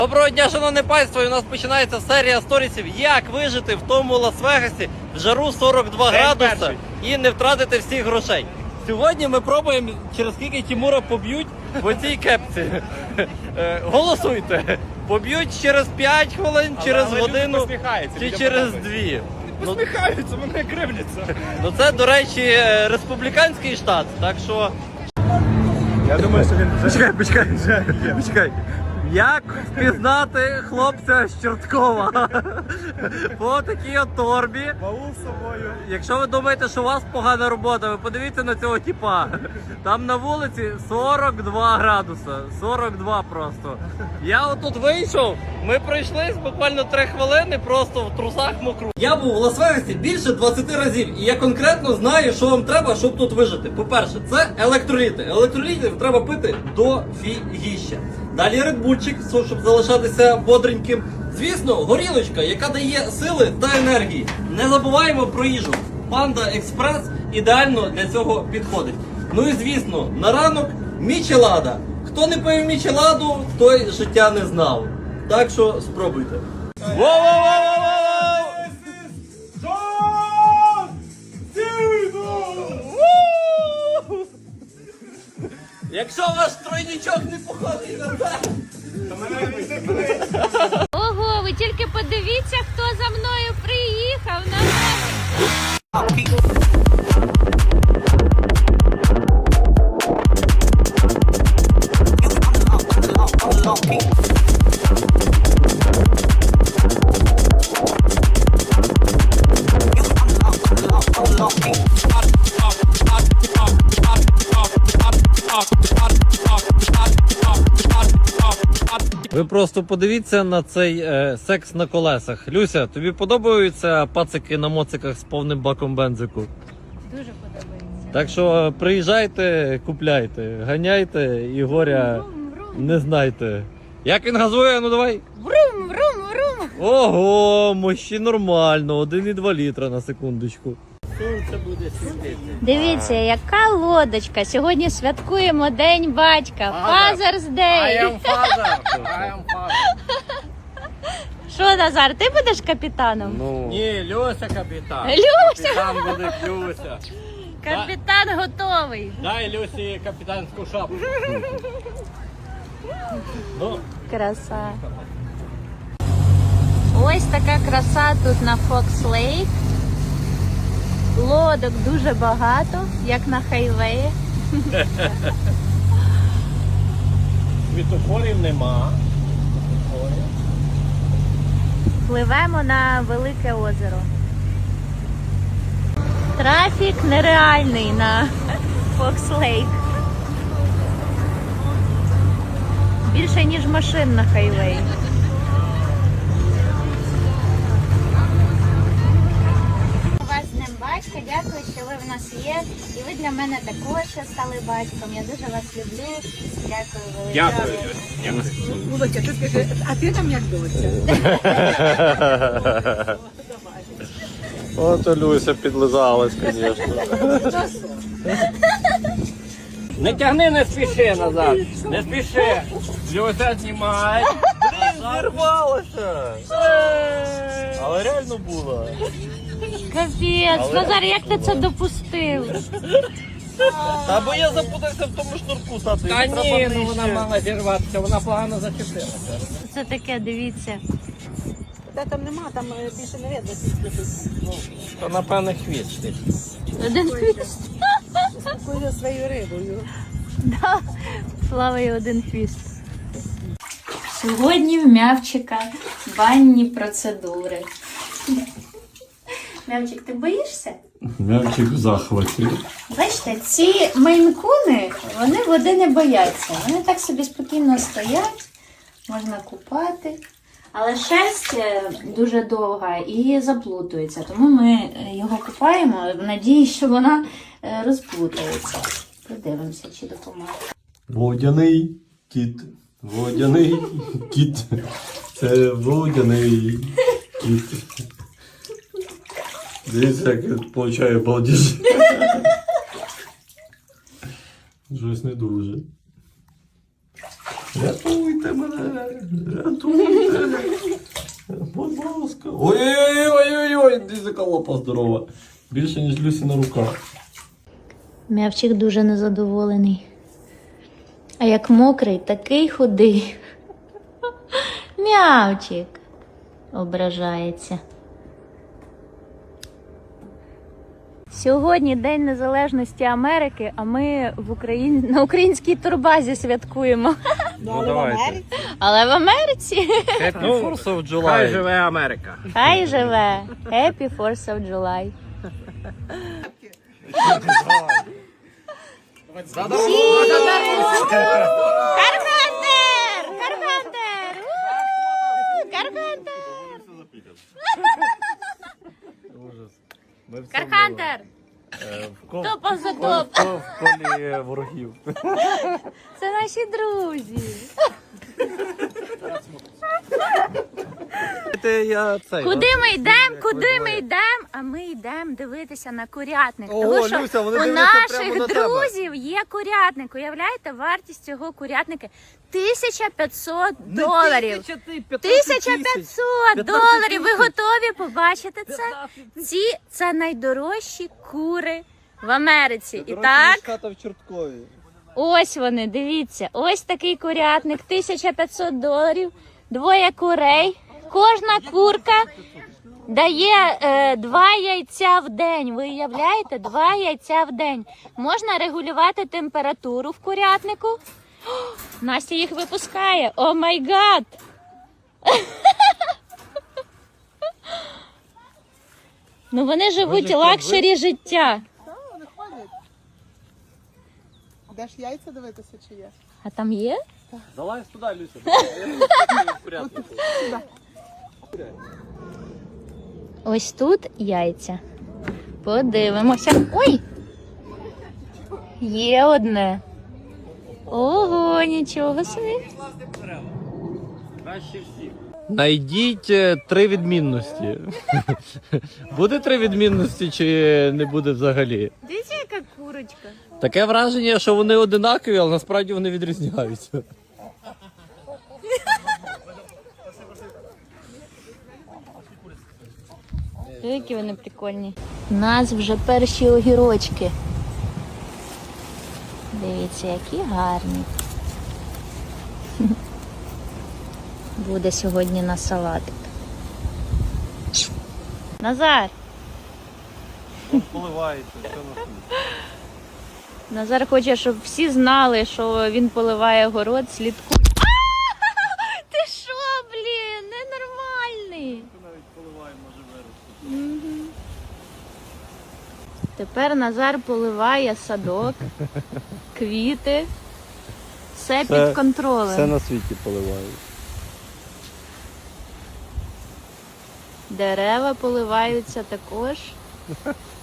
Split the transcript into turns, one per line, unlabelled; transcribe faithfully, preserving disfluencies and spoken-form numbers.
Доброго дня, шановне панство! І у нас починається серія сторісів, як вижити в тому Лас-Вегасі в жару сорок два градуса і не втратити всіх грошей. Сьогодні ми пробуємо, через скільки Тимура поб'ють в оцій кепці. Голосуйте! Поб'ють через п'ять хвилин, через але годину чи через дві.
Не посміхаються, вони кривляться.
Ну це, до речі, республіканський штат, так що...
Я думаю, що він вже...
Почекай, почекай, почекай. Як впізнати хлопця з Чорткова по такій от торбі?
Баул з собою.
Якщо ви думаєте, що у вас погана робота, ви подивіться на цього типа. Там на вулиці сорок два градуса. сорок два просто. Я отут вийшов, ми пройшлись буквально три хвилини просто в трусах мокру. Я був в Лас-Вегасі більше двадцяти разів, і я конкретно знаю, що вам треба, щоб тут вижити. По-перше, це електроліти. Електролітів треба пити до фігіща. Далі редбульчик, щоб залишатися бодреньким. Звісно, горілочка, яка дає сили та енергії. Не забуваємо про їжу. Панда Експрес ідеально для цього підходить. Ну і звісно, на ранок мічелада. Хто не пив мічеладу, той життя не знав. Так що спробуйте. Воу-воу-воу-воу-воу! Якщо ваш тройнічок не походить на це.
Ого, ви тільки подивіться, хто за мною приїхав на
Ви просто подивіться на цей е, секс на колесах. Люся, тобі подобаються пацики на моциках з повним баком бензику?
Дуже подобається.
Так що приїжджайте, купляйте, ганяйте і горя
Врум, врум.
не знайте. Як він газує? Ну давай.
Врум, врум, врум.
Ого, мощі нормально, один і два літра на секундочку. Сонце буде світити.
Дивіться, яка лодочка. Сьогодні святкуємо День батька. Father's Day.
father. I am father.
Що, Назар, ти будеш капітаном?
Ну. Ні, Люся капітан.
Люся!
Капітан буде Люся.
Капітан готовий.
Дай Люсі капітанську шапку. Ну.
Краса. Ось така краса тут на Fox Lake. Лодок дуже багато, як на хайвеї.
Світофорів нема.
Пливемо на велике озеро. Трафік нереальний на Fox Lake. Більше, ніж машин на хайвеї. Вас з Днем батька, дякую, що ви в нас є. І ви для мене також стали батьком. Я дуже вас люблю. Дякую велике.
Дякую.
Володя, ти скажи, а ти там як доця?
От Люся підлизалась, звісно. Не тягни, не спіши назад. Не спіши. Люся, знімай. Зірвалося. Але реально було.
Капець, Назар, як ти це допустив?
Та бо я запутався в тому шнурку, тату.
Та ні, ну вона мала зірватися, вона погано зачепилася.
Це таке, дивіться.
Та там нема, там більше не видно.
То напевне хвіст.
Один хвіст.
Куди своєю рибою.
Да, плаває один хвіст. Сьогодні в Мявчика банні процедури. Мявчик, ти боїшся?
М'явчик в захваті.
Бачите, ці мейн-куни, вони води не бояться. Вони так собі спокійно стоять, можна купати. Але шерсть дуже довга і заплутується, тому ми його купаємо в надії, що вона розплутається. Подивимося, чи допоможе.
Водяний кіт. Водяний кіт. Це водяний кіт. Дивіться, як получає балдіж. Щось не дуже. Рятуйте Рятуйте мене! Рятуйте! Будь ласка! Ой-ой-ой-ой-ой! Дизика лапа здорова. Більше, ніж Люсіна рука.
М'явчик дуже незадоволений. А як мокрий, такий худий. М'явчик ображається. Сьогодні День Незалежності Америки, а ми в Україн... на українській турбазі святкуємо.
Ну давайте.
Але в Америці.
Happy fourth of July.
Хай живе Америка.
Хай живе. Happy fourth of July. Карпентер! Карпентер! У! Карпентер! Кархантер! Топ за топ!
В колі ворогів.
Це наші друзі.
Я цей.
Куди ми йдемо? Куди ми йдемо? А ми йдемо дивитися на курятник.
Ого,
Тому що
Люся, вони
у
дивляться прямо
наших
на тебе.
друзів є курятник. Уявляєте, вартість цього курятника тисяча п'ятсот доларів. тисяча п'ятсот доларів. Ви готові побачити це? Ці це найдорожчі кури в Америці. І так,
Хата в Чорткові.
ось вони, дивіться. Ось такий курятник, тисяча п'ятсот доларів, двоє курей. Кожна курка дає е, два яйця в день. Ви уявляєте? Два яйця в день. Можна регулювати температуру в курятнику. О, Настя їх випускає. О май гад! Ну вони живуть лакшері життя.
Вони ходять. Де ж яйця дивитися, чи є?
А там є?
Залазь туди, Люся. Я в порядку.
Ось тут яйця. Подивимося. Ой! Є одне. Ого, нічого собі.
Краще всіх. Найдіть е, три відмінності. Буде три відмінності чи не буде взагалі?
Дивіться, яка курочка.
Таке враження, що вони одинакові, але насправді вони відрізняються.
Які вони прикольні. У нас вже перші огірочки. Дивіться, які гарні. Буде сьогодні на салатик. Назар!
Поливається, все на
Назар хоче, щоб всі знали, що він поливає город, слідкуй. А! Ти що, блін, ненормальний.
навіть поливає, може вирости.
Мгм. Тепер Назар поливає садок, квіти. Все
Все-
під контролем.
Все на світі поливають.
Дерева поливаються також.